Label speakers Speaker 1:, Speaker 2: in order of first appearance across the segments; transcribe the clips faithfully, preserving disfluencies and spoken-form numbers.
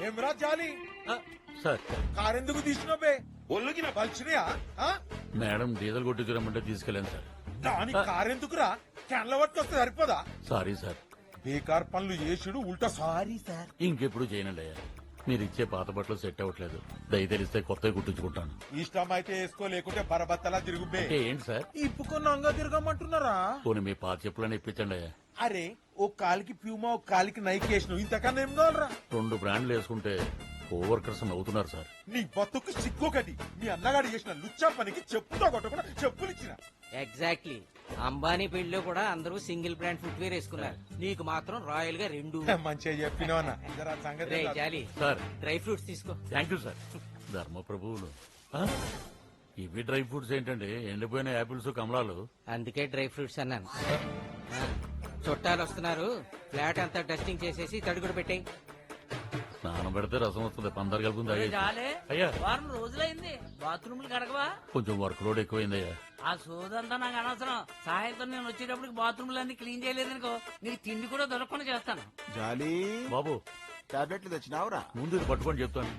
Speaker 1: ఏమరా జాలి
Speaker 2: సార్
Speaker 1: కారెందుకు తీసినవే ఒళ్ళుకి నా పలిచినయా
Speaker 2: మేడం డీజిల్ కొట్టించరమ్మంటే తీసుకెళ్ళాను సార్.
Speaker 1: దాని కారెందుకురా క్యాన్ల పట్టుకొస్తే సరిపోదా
Speaker 2: సారీ సార్.
Speaker 1: బేకార్ పనులు చేసుడు ఉల్టా సారీ సార్.
Speaker 2: ఇంకెప్పుడు చేయనండి అయ్యా. మీరు ఇచ్చే పాత బట్టలు సెట్ అవ్వట్లేదు. దయ తెలిస్తే కొత్తవి కుట్టించుకుంటాను.
Speaker 1: ఇష్టం అయితే వేసుకో, లేకుంటే బరబత్తలా తిరుగుబే.
Speaker 2: అంటే ఏంటి సార్?
Speaker 1: ఇప్పుకొని అంగా తిరగమంటున్నారా?
Speaker 2: పోనీ మీ పాత చెప్పులని ఇప్పించండి అయ్యా.
Speaker 1: అరే ఓ కాలికి ప్యూమా ఒక కాలికి నైక్ వేసినావు, ఇంతకన్నా ఏం కావాలరా?
Speaker 2: రెండు బ్రాండ్లు వేసుకుంటే కోవర్కర్స్ నవ్వుతున్నారు సార్.
Speaker 1: నీ బతుకు సిగ్గొకటి. మీ అన్నగాడు చేసిన లుచ్చా పనికి చెప్పుతో కొట్టకుండా చెప్పులు ఇచ్చిన.
Speaker 3: ఎగ్జాక్ట్లీ. అంబానీ పెళ్లిలో కూడా అందరూ సింగిల్ బ్రాండ్ ఫుట్వేర్ వేసుకున్నారు, నీకు మాత్రం రాయల్ గా రెండు.
Speaker 1: మంచిగా చెప్పినవన్నా. సంగతి
Speaker 3: రేయ్ జాలి
Speaker 2: సార్
Speaker 3: డ్రై ఫ్రూట్స్ తీసుకో.
Speaker 2: Thank you sir. ధర్మ ప్రభువులు ఆ? ఇవి డ్రై ఫ్రూట్స్ ఏంటండి? ఎండిపోయిన యాపిల్స్ కమలాలు.
Speaker 3: అందుకే డ్రై ఫ్రూట్స్ అన్నాను. ఆ, చుట్టాలు వస్తున్నారు, ఫ్లాట్ అంతా డస్టింగ్ చేసేసి తడుగుడు పెట్టాయి.
Speaker 2: స్నానం పెడితే రసం వస్తుంది. పందరు కలుపుంది
Speaker 4: ఒరే
Speaker 2: తాగేసి.
Speaker 4: జాలే,
Speaker 2: అయ్యా
Speaker 4: వారం రోజులైంది బాత్రూమ్లు కడగవా?
Speaker 2: కొంచెం వర్క్ లోడ్ ఎక్కువైందయ్యా.
Speaker 4: ఆ సోదంతా నాకు అనవసరం. సాయంత్రం నేను వచ్చేటప్పటికి బాత్రూమ్లు అన్ని క్లీన్ చేయలేదనుకో, నీకు తిండి కూడా దొరకకుండా చేస్తాను.
Speaker 5: జాలి
Speaker 2: బాబు
Speaker 5: టాబ్లెట్లు తెచ్చినావురా?
Speaker 2: ముందు ఇది పట్టుకొని చెప్తాను.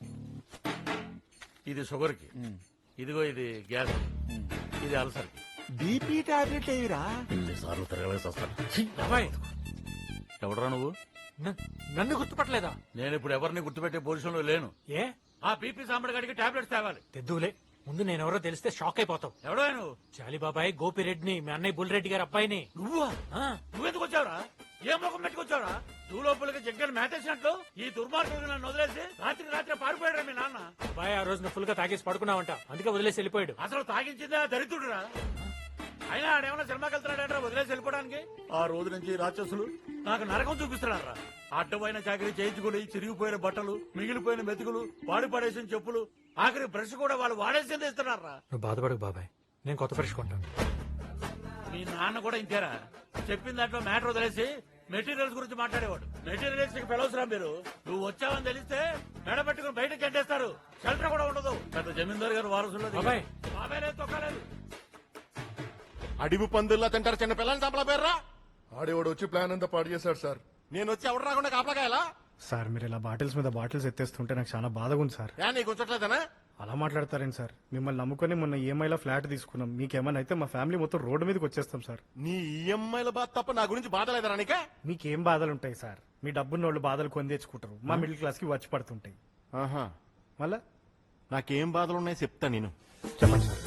Speaker 2: ఇది షుగర్ కి, ఇదిగో ఇది గ్యాస్, ఇది అల్సర్ కి.
Speaker 5: బీపీ టాబ్లెట్ ఏవిరా?
Speaker 2: ఇన్నిసార్లు తిరగలేసి వస్తాను.
Speaker 6: అబ్బాయి
Speaker 2: ఎవడరా నువ్వు?
Speaker 6: న- నన్ను గుర్తుపట్టలేదా?
Speaker 2: నేను ఇప్పుడు ఎవరిని గుర్తుపెట్టే పొజిషన్ లో లేను.
Speaker 6: ఏ
Speaker 2: ఆ బీపీ సాంబడి గడికి టాబ్లెట్స్ తేవాలి.
Speaker 6: తెద్దులే, ముందు నేనెవరో తెలిస్తే షాక్ అయిపోతావు.
Speaker 2: ఎవడో నువ్వు?
Speaker 6: చాలి బాబాయ్, గోపిరెడ్డిని, మీ అన్నయ్య బుల్రెడ్డి గారి అబ్బాయిని.
Speaker 2: నువ్వా?
Speaker 6: ఆ,
Speaker 2: నువ్వెందుకు వచ్చావురా? ఏ ముఖం పెట్టుకొచ్చావురా? నువ్వు లోపలికి జగ్గని మేతేసినట్లు ఈ దుర్మార్గుడు నన్ను వదిలేసి రాత్రి రాత్రి పారిపోయాడు మీ నాన్న.
Speaker 6: అబ్బాయి ఆ రోజు ఫుల్ గా తాగేసి పడుకున్నావంట, అందుకే వదిలేసి వెళ్ళిపోయాడు.
Speaker 2: అసలు తాగించిందే ఆ దరిద్రుడురా. అయినా ఆడేమన్నా సినిమాకి వెళ్తున్నాడంటే వదిలేసి వెళ్ళిపోవడానికి. ఆ రోజు నుంచి రాక్షసులు నాకు నరకం చూపిస్తున్నారా? అడ్డమైన చాకరీ చేయించుకుని చిరిగిపోయిన బట్టలు, మిగిలిపోయిన మెతుకులు, వాడి పడేసిన చెప్పులు, ఆఖరి బ్రష్ కూడా వాళ్ళు వాడేసింది ఇస్తున్నారా?
Speaker 6: నువ్వు బాధపడకు బాబాయ్, నేను కొత్త ఫ్రెష్ కొంటాను.
Speaker 2: మీ నాన్న కూడా ఇంతేరా? చెప్పిన దాంట్లో మ్యాటర్ వదిలేసి మెటీరియల్స్ గురించి మాట్లాడేవాడు. మెటీరియల్స్ ఫెలోస్ రా మీరు. నువ్వు వచ్చావని తెలిస్తే మెడ పెట్టుకుని బయటకు చెడ్డేస్తారు. షెల్టర్ కూడా ఉండదు. పెద్ద జమీందారు గారు వారసుల్లో
Speaker 6: బాబాయ్.
Speaker 2: బాబాయ్ లేదు, తొక్కలేదు.
Speaker 5: అడివి పందుల్లా తింటారు చిన్న పిల్లల్ని చంపల పేర్రా?
Speaker 7: ఆడేవాడు వచ్చి ప్లాన్ అంతా పాడు చేశాడు సార్.
Speaker 5: నేను వచ్చి ఎవడు రాకుండా కాపలాకాయలా?
Speaker 8: సార్ మీరు ఇలా బాటిల్స్ మీద బాటిల్స్ ఎత్తేస్తుంటే నాకు చాలా బాధగా ఉంది సార్.
Speaker 5: యా నీకు ఉంచట్లేదనా?
Speaker 8: అలా మాట్లాడతారేంటి సార్? మిమ్మల్ని నమ్ముకొని మొన్న ఈఎంఐలో ఫ్లాట్ తీసుకున్నాం. మీకేమైనా అయితే మా ఫ్యామిలీ మొత్తం రోడ్డు మీదకి వచ్చేస్తాం సార్.
Speaker 5: నీ ఈఎంఐల బాధ తప్ప నా గురించి బాధ లేదరా నీకే?
Speaker 8: మీకేం బాధలు ఉంటాయి సార్? మీ డబ్బున్న వాళ్ళు బాధలు కొని తెచ్చుకుంటారు, మా మిడిల్ క్లాస్ కి వచ్చి పడుతుంటాయి.
Speaker 5: ఆహా,
Speaker 8: మళ్ళా
Speaker 5: నాకేం బాధలు ఉన్నాయో చెప్తా నేను.
Speaker 8: చెప్పండి సార్.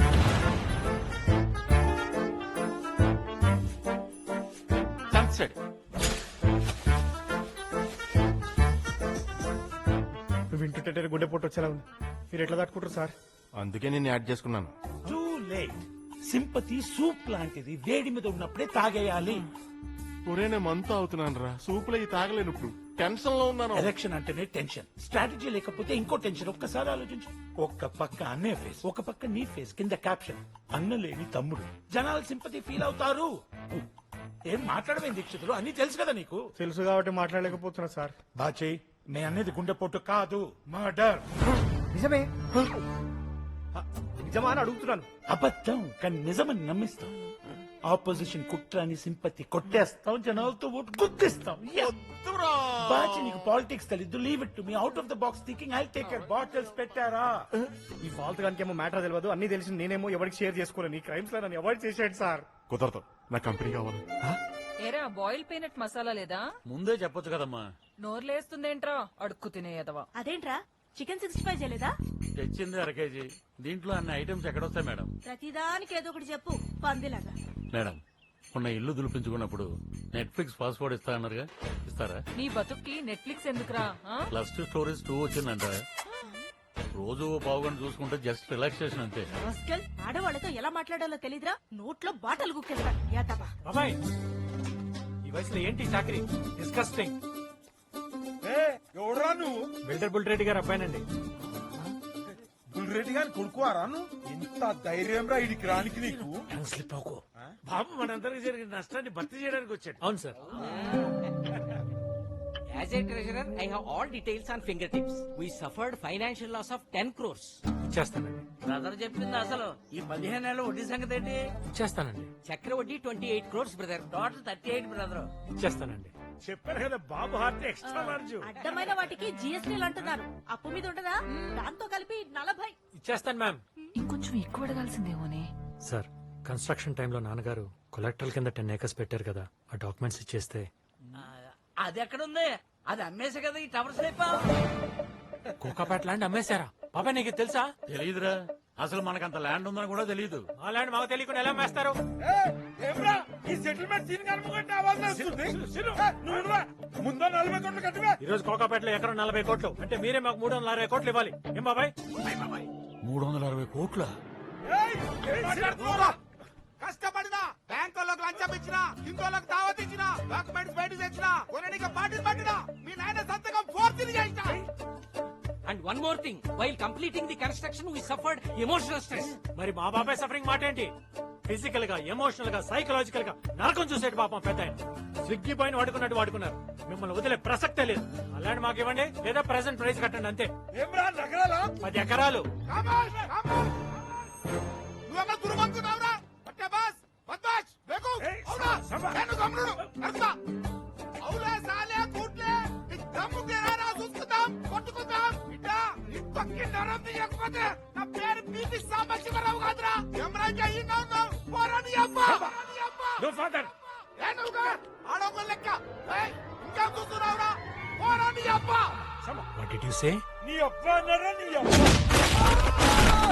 Speaker 5: సన్సెట్
Speaker 8: నువ్వు వింటుంటే గుండె పొట్టు వచ్చేలా ఉంది. మీరు ఎట్లా తట్టుకుంటారు సార్?
Speaker 5: అందుకే నేను యాడ్ చేసుకున్నాను.
Speaker 9: Too late. సింపతి సూప్ లాంటిది, వేడి మీద ఉన్నప్పుడే తాగేయాలి.
Speaker 5: ఒరే నేను మంతా అవుతున్నాను రా, సూపులో ఈ తాగలేను. ఇప్పుడు టెన్షన్ లో ఉన్నాను.
Speaker 9: ఎలక్షన్ అంటేనే టెన్షన్, స్ట్రాటజీ లేకపోతే ఇంకో టెన్షన్. ఒక్కసారి ఆలోచించు. ఒక్క పక్క అన్నయ్య ఫేస్, ఒక పక్క నీ ఫేస్, కింద క్యాప్షన్ అన్న లేని తమ్ముడు. జనాలు సింపతి ఫీల్ అవుతారు. ఏం మాట్లాడమే దీక్షితులు, అన్ని తెలుసు కదా నీకు.
Speaker 8: తెలుసు కాబట్టి మాట్లాడలేకపోతున్నా సార్.
Speaker 9: బాచే, నే అనేది గుండెపోటు కాదు, మర్డర్.
Speaker 8: నిజమే నిజమా అని అడుగుతున్నాను.
Speaker 9: అబద్ధం కానీ నిజమని నమ్మిస్తాం. ఆపోజిషన్ కుట్రాని సింపతి కొట్టేస్తాం, జనాలతో ఓటు గుర్తిస్తాం. బాచి నీకు పాలిటిక్స్ తెలీదు, leave it to me. Out of the box thinking, I take care. Bottles పెట్టారా?
Speaker 8: ఈ ఫాల్త్ గానికి ఏమో మ్యాటర్ తెలియదు, అన్ని తెలిసి నేనేమో ఎవరికి షేర్ చేసుకోలేను. ఈ క్రైమ్స్ లో నన్ను అవాయిడ్ చేసేయండి సార్.
Speaker 5: కుదరదు, నా కంపెనీ కావాలి.
Speaker 10: ఏరా బాయిల్ పీనట్ మసాలా లేదా?
Speaker 2: ముందే చెప్పొచ్చు కదమ్మా.
Speaker 10: నోర్లేస్తుందేంట్రా అడుక్కు తినేయదవా.
Speaker 11: అదేంట్రా చికెన్ సిక్స్టీ ఫైవ్ చేయలేదా?
Speaker 2: తెచ్చింది అర కేజీ. దీంట్లో అన్ని ఐటమ్స్ ఎక్కడొస్తాయి మేడం?
Speaker 11: ప్రతిదానికి ఏదో ఒకటి చెప్పు, పందిలాగా.
Speaker 2: మేడం మొన్న ఇల్లు దులిపించుకున్నప్పుడు నెట్ఫ్లిక్స్ పాస్వర్డ్ ఇస్తా అన్నారుగా, ఇస్తారా?
Speaker 10: నీ బతుక్కి నెట్ఫ్లిక్స్ ఎందుకురా? ఆ?
Speaker 2: ప్లస్ టూ స్టోరీస్ టూ వచ్చిందంట. రోజు ఓ పావు గంట చూసుకుంటే జస్ట్ రిలాక్సేషన్ అంతే.
Speaker 11: రాస్కెల్, ఆడవాళ్ళతో ఎలా మాట్లాడాలో తెలీదురా? నోట్లో బాటలు గుక్కేస్తా. యాతబా.
Speaker 6: బాబాయ్ ఈ వయసులో ఏంటి చాకరీ? డిస్కస్టింగ్.
Speaker 1: ఏ ఎవడరా నువ్వు?
Speaker 6: బిల్డర్ బుల్రెడ్డి గారి అబ్బాయినండి.
Speaker 1: బుల్రెడ్డి గారిని కొడుకువారా నువ్వు? ఎంత ధైర్యం రా ఇడికి రానికి నీకు?
Speaker 9: స్లిప్ అవుకో. బాబు మనందరికి జరిగిన నష్టాన్ని భర్తీ చేయడానికి వచ్చాడు.
Speaker 6: అవును sir.
Speaker 3: As a treasurer I have all details on finger tips. We suffered financial loss of ten crores.
Speaker 6: చేస్తానండి
Speaker 4: బ్రదర్ చెప్పింది అసలు ఈ పదిహేను నెలల వడ్డీ సంగతి ఏంటి?
Speaker 6: చేస్తానండి
Speaker 3: చక్ర వడ్డీ twenty eight crores brother.
Speaker 4: Total thirty eight brother.
Speaker 6: చేస్తానండి.
Speaker 9: చెప్పారు కదా బాబు హార్ట్ ఎక్స్ట్రా లార్జ్.
Speaker 11: అడ్డమైన వాటికి జిఎస్టీలు అంటున్నారు. అప్పు మీద ఉండదా? దాంతో కలిపి నలభై.
Speaker 6: ఇచ్చేస్తాను మ్యామ్.
Speaker 10: ఇంకొంచెం ఎక్కువ అడగాల్సిందేమోనే.
Speaker 6: సార్ కన్స్ట్రక్షన్ టైంలో నాన్నగారు కొలెక్టరల్ కింద టెన్ ఏకర్స్ పెట్టారు కదా, ఆ డాక్యుమెంట్స్ ఇచ్చేస్తే.
Speaker 4: అది ఎక్కడుంది? అది అమ్మేసే కదా ఈ టవర్స్ లేపా.
Speaker 6: కోకాపేట ల్యాండ్ అమ్మేశారా బాబాయ్? నీకు ఇది తెలుసా?
Speaker 2: తెలియదురా, అసలు మనకంత ల్యాండ్ ఉందని కూడా తెలియదు.
Speaker 6: ఆ ల్యాండ్ మాకు తెలియకుండా ఎలా అమ్మేస్తారు?
Speaker 9: ఏమ్రా ఈ సెటిల్మెంట్ సీన్ కనుకుంటే ఆవాజ్ వస్తుంది. నువ్వు ముందు నలభై కోట్లు కట్టివే.
Speaker 6: ఈ రోజు కోకాపేటలో ఎకరం నలభై కోట్లు అంటే మీరే మాకు మూడు వందల అరవై కోట్లు ఇవ్వాలి. ఏం బాబాయ్?
Speaker 2: మూడు వందల అరవై కోట్ల
Speaker 1: కష్టపడినా బ్యాంకులకు లంచం ఇచ్చినా, ఇంకోళ్ళకి దావత్ ఇచ్చినా, డాక్యుమెంట్స్ బయట తెచ్చినా, కొనడానికి పార్టీలు పట్టినా, మీ నాయన సంతకం ఫోర్త్ చేసినా.
Speaker 3: And one more thing, while completing the construction we suffered emotional stress.
Speaker 6: మరి మా బాబాయ్ సఫరింగ్ మాట ఏంటి? ఫిజికల్ గా, ఎమోషనల్ గా, సైకలాజికల్ గా నరకం చూసేటి పాపం పెద్ద ఆయన. స్విగ్గీ పైన వాడుకున్నట్టు వాడుకున్నారు. మిమ్మల్ని వదిలే ప్రసక్తే లేదు. అలాంటి మాకు ఇవ్వండి, లేదా ప్రెసెంట్ ప్రైస్ కట్టండి అంతే.
Speaker 9: ఏమ్రా నగరాలా?
Speaker 6: పది ఎకరాలు.
Speaker 1: నువ్వెక్కడ దుర్మంకున్నావురా? పట్టే బాస్ బద్మాష్ బేకు అవునా? నేను గమ్ముడు అర్థా అవులే సాలే కూట్లే నీ దమ్ము తీరారా చూసుకుందాం, కొట్టుకుందాం. బిడ్డ ఈ పక్కి నరం తీయకపోతే నా పేరు పీపీ సాంబశివరావు కాదురా. ఎమరాజ్ అయ్యిందా ఉన్నావు పోరాని అబ్బా.
Speaker 9: No father.
Speaker 1: ఏ నువ్వుగా ఆడొక లెక్క. ఏయ్ ఇంకా చూస్తున్నావురా? పోరాని అబ్బా.
Speaker 6: What did you say?
Speaker 9: నీ అబ్బా అన్నారా? నీ అబ్బా.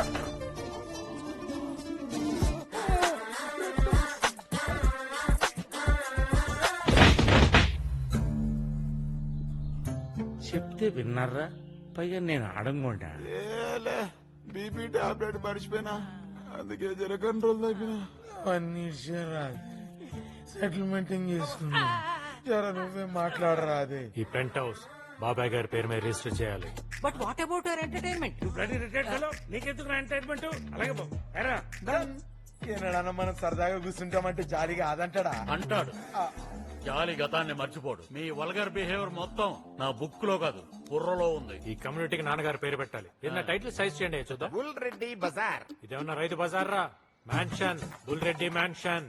Speaker 12: చెప్తే విన్నారా? పైగా నేను అడంగుంటా.
Speaker 1: బీపీ టాబ్లెట్ మర్చిపోయినా, అందుకే జర కంట్రోల్ తగ్గిన.
Speaker 12: సెటిల్మెంట్ చేసుకున్నా. జర నువ్వే మాట్లాడరా. అదే
Speaker 6: ఈ పెంట్ హౌస్ బాబాయ్ గారి పేరు మీద రిజిస్టర్ చేయాలి.
Speaker 3: But what about our entertainment?
Speaker 9: నీకెందుకు ఎంటర్టైన్మెంట్? అలాగే బాబు. ఎరా
Speaker 12: ఏనాడన్నా మనం సరదాగా కూర్చుంటామంటే జాలిగా అదంటాడా?
Speaker 2: అంటాడు. జాలి గతాన్ని మర్చిపోడు. మీ వల్గర్ బిహేవియర్ మొత్తం నా బుక్ లో కాదు, బుర్రలో ఉంది.
Speaker 6: ఈ కమ్యూనిటీకి నాన్నగారి పేరు పెట్టాలి. ఏదైనా టైటిల్ సైజ్ చేయండి చూద్దాం.
Speaker 12: బుల్ రెడ్డి బజార్.
Speaker 6: ఇదేమన్నా రైతు బజార్ రా? Mansion, bull Reddy mansion.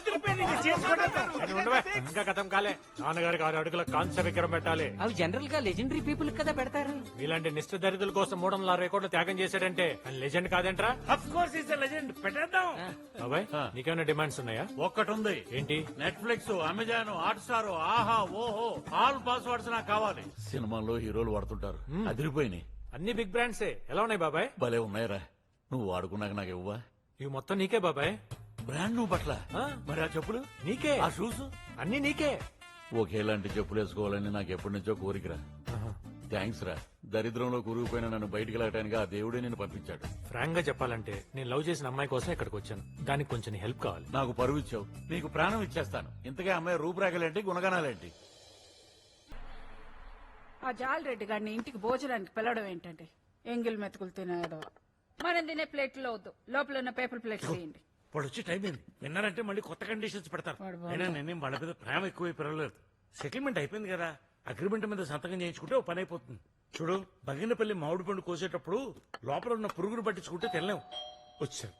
Speaker 6: ఇంకా గతం కాలే. నాన్నగారికి ఆరు అడుగుల కాంస్య విగ్రహం పెట్టాలి.
Speaker 3: అవి జనరల్ గా లెజెండరీ పీపుల్ కదా పెడతారు.
Speaker 6: ఇలాంటి నిష్ఠ దరిద్రుల కోసం మూడు వందల అరవై కోట్లు త్యాగం చేశాడంటే ఆయన లెజెండ్ కాదేంట్రా?
Speaker 9: Of course is legend. పెట్టేద్దాం.
Speaker 6: బాబాయ్ నీకేమైనా డిమాండ్స్ ఉన్నాయా?
Speaker 2: ఒక్కటి ఉంది.
Speaker 6: ఏంటి?
Speaker 2: నెట్ఫ్లిక్స్, అమెజాన్, హాట్ స్టార్, ఆహా, ఓహో, ఆల్ పాస్వర్డ్స్ నాకు కావాలి. సినిమాల్లో హీరోలు వాడుతుంటారు, అదిరిపోయినాయి.
Speaker 6: అన్ని బిగ్ బ్రాండ్సే. ఎలా ఉన్నాయి బాబాయ్?
Speaker 2: భలే ఉన్నాయిరా. నువ్వు వాడుకున్నాక నాకు ఇవ్వా?
Speaker 6: ఇవి మొత్తం నీకే బాబాయ్.
Speaker 2: బ్రాండ్ నువ్వు పట్ల. మరి ఆ చెప్పులు
Speaker 6: నీకే,
Speaker 2: ఆ షూస్
Speaker 6: అన్ని నీకే.
Speaker 2: ఒకేలాంటి చెప్పులు వేసుకోవాలని నాకు ఎప్పటి నుంచో కోరికరా. థ్యాంక్స్ రా. దరిద్రంలో కూరుకుపోయిన నన్ను బయటికి వెళ్ళటానికి ఆ దేవుడే నేను పంపించాడు.
Speaker 6: ఫ్రాంక్ గా చెప్పాలంటే నేను లవ్ చేసిన అమ్మాయి కోసం ఇక్కడికి వచ్చాను. దానికి కొంచెం హెల్ప్ కావాలి.
Speaker 2: నాకు పరువు ఇచ్చావు, నీకు ప్రాణం ఇచ్చేస్తాను. ఇంతకే అమ్మాయి రూపురేఖలేంటి, గుణగణాలేంటి?
Speaker 11: ఆ జాల్ రెడ్డి గారిని ఇంటికి భోజనానికి పిలవడం ఏంటంటే ఎంగిల్ మెతుకులు తినేదో. మనం తినే ప్లేట్లో వద్దు, లోపల ఉన్న పేపర్ ప్లేట్ చేయండి.
Speaker 9: ఇప్పుడు వచ్చి టైం అయింది. విన్నారంటే మళ్ళీ కొత్త కండిషన్స్ పెడతారు. అయినా నేనేం వాళ్ళ మీద ప్రేమ ఎక్కువ పెరగలేదు. సెటిల్మెంట్ అయిపోయింది కదా, అగ్రిమెంట్ మీద సంతకం చేయించుకుంటే ఓ పని అయిపోతుంది. చూడు, బగినపల్లి మామిడి పండు కోసేటప్పుడు లోపల ఉన్న పురుగును పట్టించుకుంటే తెల్లాం. వచ్చారు.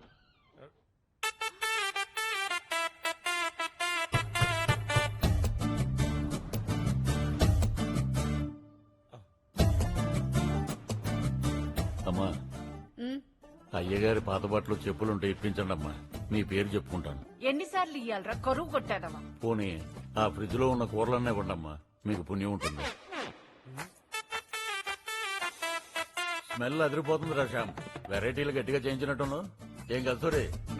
Speaker 2: అమ్మా, అయ్యగారి పాత బట్టలు చెప్పులుంటే ఇప్పించండి అమ్మా. మీ పేరు చెప్పుకుంటాను.
Speaker 11: ఎన్నిసార్లు ఇయ్యాలరా? కరువు కొట్టాదమ్మా.
Speaker 2: పోనీ ఆ ఫ్రిడ్జ్ లో ఉన్న కూరలన్నీ కొండమ్మా, మీకు పుణ్యం ఉంటుంది. స్మెల్ అదిరిపోతుంది రా శ్యామ్. వెరైటీలు గట్టిగా చేయించినట్టును. ఏం కలుసోరే?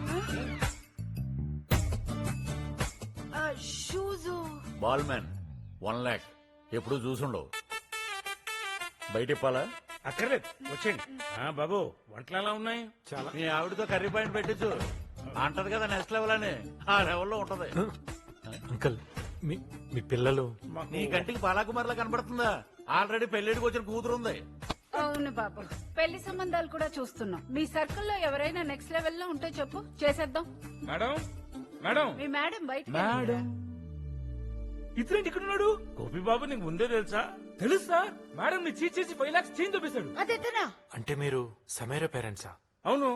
Speaker 2: బాల్ మ్యాన్ వన్ లాక్ ఎప్పుడు చూసుండవు. బయట ఇప్పాలా?
Speaker 9: అక్కర్లేదు, వచ్చేయండి. బాబు వంటలు ఎలా ఉన్నాయి?
Speaker 6: చాలా.
Speaker 2: మీ ఆవిడతో కర్రీ పాయింట్ పెట్టించు. అంటది కదా నెక్స్ట్ లెవెల్ అని. ఆ లెవెల్లో ఉంటది.
Speaker 6: అంకుల్, మీ మీ పిల్లలు?
Speaker 2: నీ కంటికి బాలాకుమార్లా కనబడుతుందా? ఆల్రెడీ పెళ్లిడికి వచ్చిన కూతురుంది.
Speaker 11: అవును బాబు, పెళ్లి సంబంధాలు కూడా చూస్తున్నాం. మీ సర్కిల్లో ఎవరైనా నెక్స్ట్ లెవెల్ లో ఉంటే చెప్పు, చేసేద్దాం.
Speaker 9: మేడం, మేడం,
Speaker 11: మీ మేడం బయట.
Speaker 9: మేడం ఇతరేంటి ఇక్కడ ఉన్నాడు? గోపి బాబు నీకు ముందే తెలుసా? తెలుసా మేడం ని చీట్ చేసి ఫైవ్ లాక్స్ చేంజ్ చూపిస్తాడు.
Speaker 11: అదేతనా
Speaker 6: అంటే మీరు సమీర పేరెంట్సా?
Speaker 9: అవును.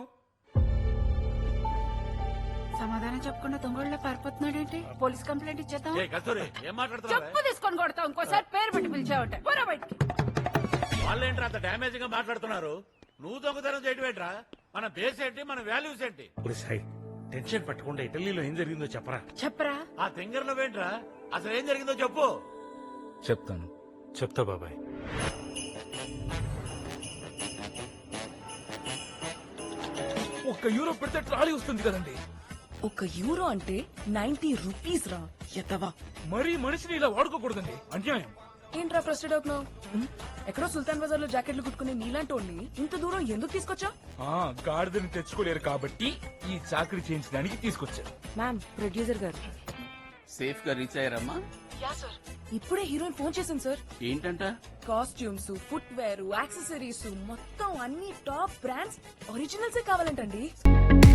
Speaker 11: సమాధానం చెప్పకుండా దొంగళ్ళ పారిపోతున్నాడేంటి? పోలీస్ కంప్లైంట్ ఇచ్చేద్దాం.
Speaker 2: ఏ కస్తూరి ఏం మాట్లాడుతున్నావు
Speaker 11: చెప్పు తీసుకొని కొడతాం. ఇంకోసారి పేరు పెట్టి పిలిచావంటే పోరా బయటికి.
Speaker 2: వాళ్ళేంట్రా అంత డ్యామేజ్ గా మాట్లాడుతున్నారు? నువ్వు దొంగతనం చేయడం ఏంట్రా? మన బేస్ ఏంటి, మన వాల్యూస్ ఏంటి?
Speaker 9: సాయి టెన్షన్ పట్టకుండా ఇటలీలో ఏం జరిగిందో చెప్పరా.
Speaker 11: చెప్పరా.
Speaker 2: ఆ తింగర్ నువ్వేంట్రా? అసలు ఏం జరిగిందో చెప్పు.
Speaker 9: చెప్తాను.
Speaker 6: చెప్తా బాబాయ్.
Speaker 9: ఒక్క యూరో పెడితే ట్రాలీ వస్తుంది కదండి.
Speaker 10: ఒక యూరో అంటే నైన్టీ రూపీస్ రా ఎత్తవా.
Speaker 9: మరీ మనిషిని ఇలా వాడుకోకూడదండి, అన్యాయం.
Speaker 10: ఏంట్రా ఫ్రస్టెడ్ అవుతున్నావు? ఎక్కడో సుల్తాన్ బజార్ లో జాకెట్లు కుట్టుకునే నీలాంటి వాళ్ళని ఇంత దూరం ఎందుకు తీసుకొచ్చా?
Speaker 9: ఆ గాడిదని తెచ్చుకోలేరు కాబట్టి ఈ చాకరీ చేయించడానికి తీసుకొచ్చారు.
Speaker 10: మ్యామ్, ప్రొడ్యూసర్ గారు
Speaker 3: సేఫ్ గా రీచ్ అయ్యారమ్మా?
Speaker 10: ఇప్పుడే హీరోయిన్ ఫోన్ చేసింది సార్.
Speaker 3: ఏంటంట?
Speaker 10: కాస్ట్యూమ్స్, ఫుట్ వేర్, యాక్సెసరీస్ మొత్తం అన్ని టాప్ బ్రాండ్స్ ఒరిజినల్సే కావాలంటండి.